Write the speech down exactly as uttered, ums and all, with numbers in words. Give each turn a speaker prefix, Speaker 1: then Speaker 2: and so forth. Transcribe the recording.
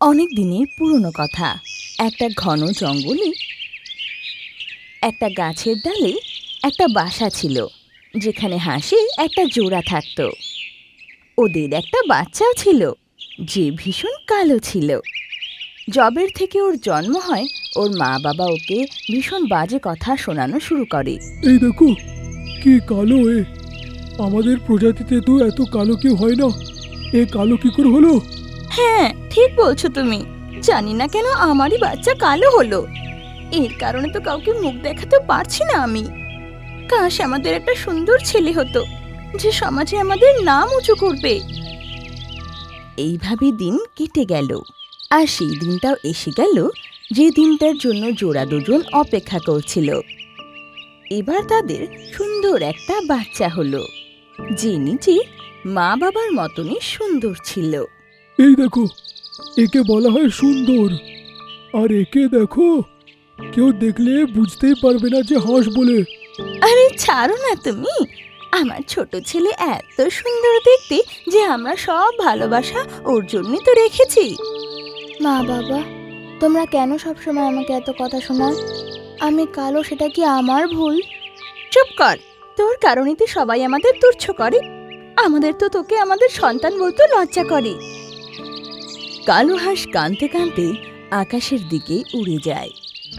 Speaker 1: অনেক দিনের পুরনো কথা। একটা ঘন জঙ্গলে একটা গাছের ডালে একটা বাসা ছিল, যেখানে হাঁসের একটা জোড়া থাকতো। ওদের একটা বাচ্চাও ছিল, যে ভীষণ কালো ছিল। জবের থেকে ওর জন্ম হয়, ওর মা বাবা ওকে ভীষণ বাজে কথা শোনানো শুরু করে।
Speaker 2: এই দেখো, কি কালো এ! আমাদের প্রজাতিতে তো এত কালো কেউ হয় না। এ কালো কি করে হলো?
Speaker 1: হ্যাঁ, ঠিক বলছো তুমি। জানি না কেন আমারই বাচ্চা কালো হলো। এর কারণে তো কাউকে মুখ দেখাতে পারছি না আমি। কাশ আমাদের একটা সুন্দর ছেলে হতো, যে সমাজে আমাদের নাম উঁচু করবে। এইভাবে দিন কেটে গেল, আর সেই দিনটাও এসে গেল যে দিনটার জন্য জোড়া দুজন অপেক্ষা করছিল। এবার তাদের সুন্দর একটা বাচ্চা হলো, যে নিজে মা বাবার মতনই সুন্দর ছিল।
Speaker 2: এই দেখো, একে বলা হয় সুন্দর। আর একে দেখো, কেউ দেখলে বুঝতেই পারবে না যে হাঁস বলে।
Speaker 1: আরে ছাড়ো না তুমি। আমার ছোট ছেলে এত সুন্দর দেখতে যে আমরা সব ভালোবাসা ওর জন্যই তো রেখেছি।
Speaker 3: মা বাবা, তোমরা কেন সবসময় আমাকে এত কথা শোনাও? আমি কালো, সেটা কি আমার ভুল?
Speaker 1: চুপ কর। তোর কারণেতে সবাই আমাদের তুচ্ছ করে। আমাদের তো তোকে আমাদের সন্তান বলতে লজ্জা করে। কালো হাঁস কাঁদতে কাঁদতে আকাশের দিকে উড়ে যায়।